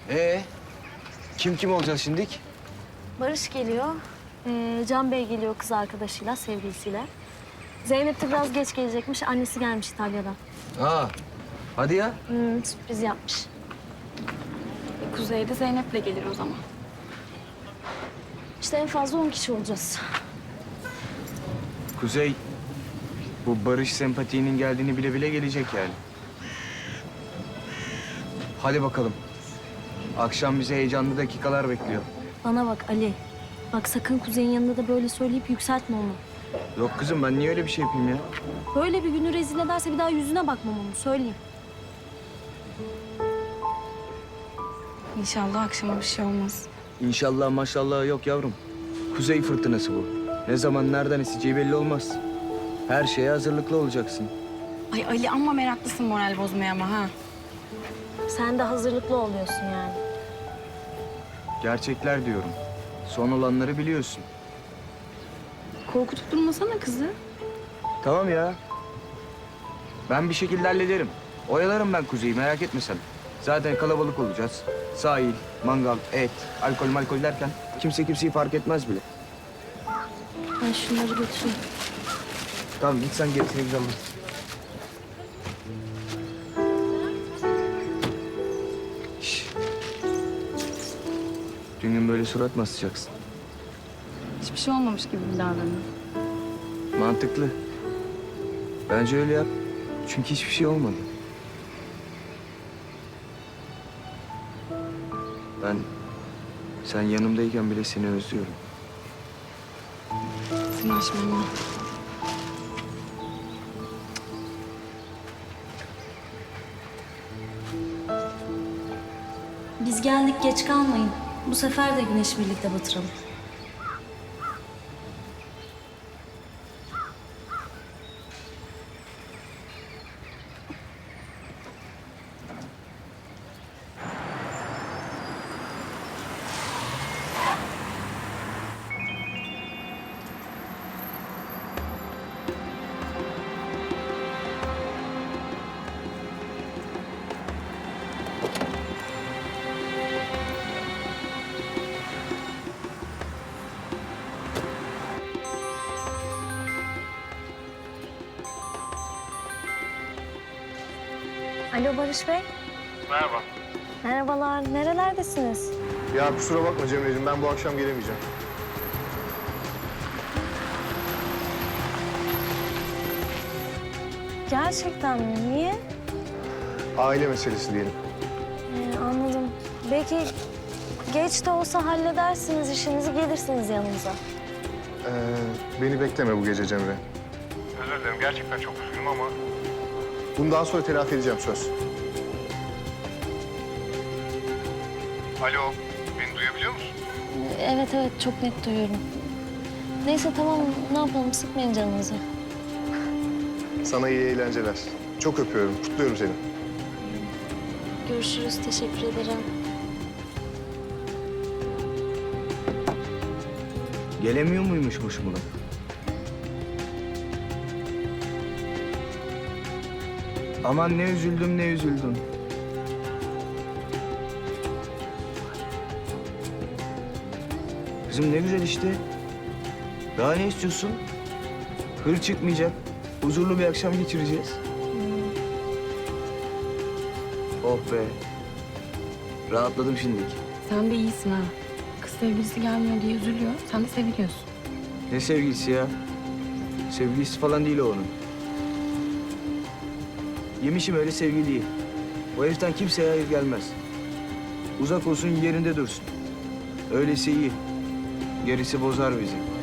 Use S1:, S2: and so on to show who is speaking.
S1: Kim olacağız şimdik?
S2: Barış geliyor. Can Bey geliyor kız arkadaşıyla, sevgilisiyle. Zeynep de biraz geç gelecekmiş. Annesi gelmiş İtalya'dan.
S1: Hadi ya.
S2: Sürpriz yapmış.
S3: Kuzey'de Zeynep'le gelir o zaman.
S2: İşte en fazla 10 kişi olacağız.
S1: Kuzey, bu barış sempatiğinin geldiğini bile bile gelecek yani. Hadi bakalım. Akşam bize heyecanlı dakikalar bekliyor.
S2: Bana bak Ali. Bak sakın Kuzey'in yanında da böyle söyleyip yükseltme onu.
S1: Yok kızım, ben niye öyle bir şey yapayım ya?
S2: Böyle bir günü rezil ederse bir daha yüzüne bakmam onu, söyleyeyim.
S3: İnşallah akşama bir şey olmaz.
S1: İnşallah maşallah yok yavrum. Kuzey fırtınası bu. Ne zaman nereden eseceği belli olmaz. Her şeye hazırlıklı olacaksın.
S3: Ay Ali amma meraklısın moral bozmaya ama ha.
S2: Sen de hazırlıklı oluyorsun yani.
S1: Gerçekler diyorum. Son olanları biliyorsun.
S3: Korkutup durmasana kızı.
S1: Tamam ya. Ben bir şekilde hallederim. Oyalarım ben Kuzey'i, merak etme sen. Zaten kalabalık olacağız. Sahil, mangal, et, alkol derken kimse kimseyi fark etmez bile.
S2: Ben şunları götüreyim.
S1: Tamam git sen gerisini güzel bak. Şş. Tüm gün böyle surat mı asacaksın?
S3: Hiçbir şey olmamış gibi bir davranıyor.
S1: Mantıklı. Bence öyle yap. Çünkü hiçbir şey olmadı. Ben sen yanımdayken bile seni özlüyorum.
S3: Sırnaşma ama.
S2: Biz geldik, geç kalmayın. Bu sefer de güneş birlikte batıralım. Alo Barış Bey.
S4: Merhaba.
S2: Merhabalar. Nerelerdesiniz?
S4: Ya kusura bakma Cemre'ciğim, ben bu akşam gelemeyeceğim.
S2: Gerçekten mi? Niye?
S4: Aile meselesi diyelim.
S2: Anladım. Belki geç de olsa halledersiniz işinizi, gelirsiniz yanımıza.
S4: Beni bekleme bu gece Cemre. Özür dilerim, gerçekten çok üzgünüm ama... Bundan sonra telafi edeceğim, söz. Alo, beni duyabiliyor musun?
S2: Evet, çok net duyuyorum. Neyse tamam, ne yapalım, sıkmayın canınızı.
S4: Sana iyi eğlenceler. Çok öpüyorum, kutluyorum seni.
S2: Görüşürüz, teşekkür ederim.
S1: Gelemiyor muymuş hoşumuna? Aman ne üzüldüm, ne üzüldüm. Kızım ne güzel işte. Daha ne istiyorsun? Hır çıkmayacak. Huzurlu bir akşam geçireceğiz. Oh be. Rahatladım şimdilik.
S3: Sen de iyisin ha. Kız sevgilisi gelmiyor diye üzülüyor. Sen de seviliyorsun.
S1: Ne sevgilisi ya? Sevgilisi falan değil o onun. Yemişim öyle sevgiliyi. O heriften kimseye hayır gelmez. Uzak olsun, yerinde dursun. Öylesi iyi. Gerisi bozar bizi.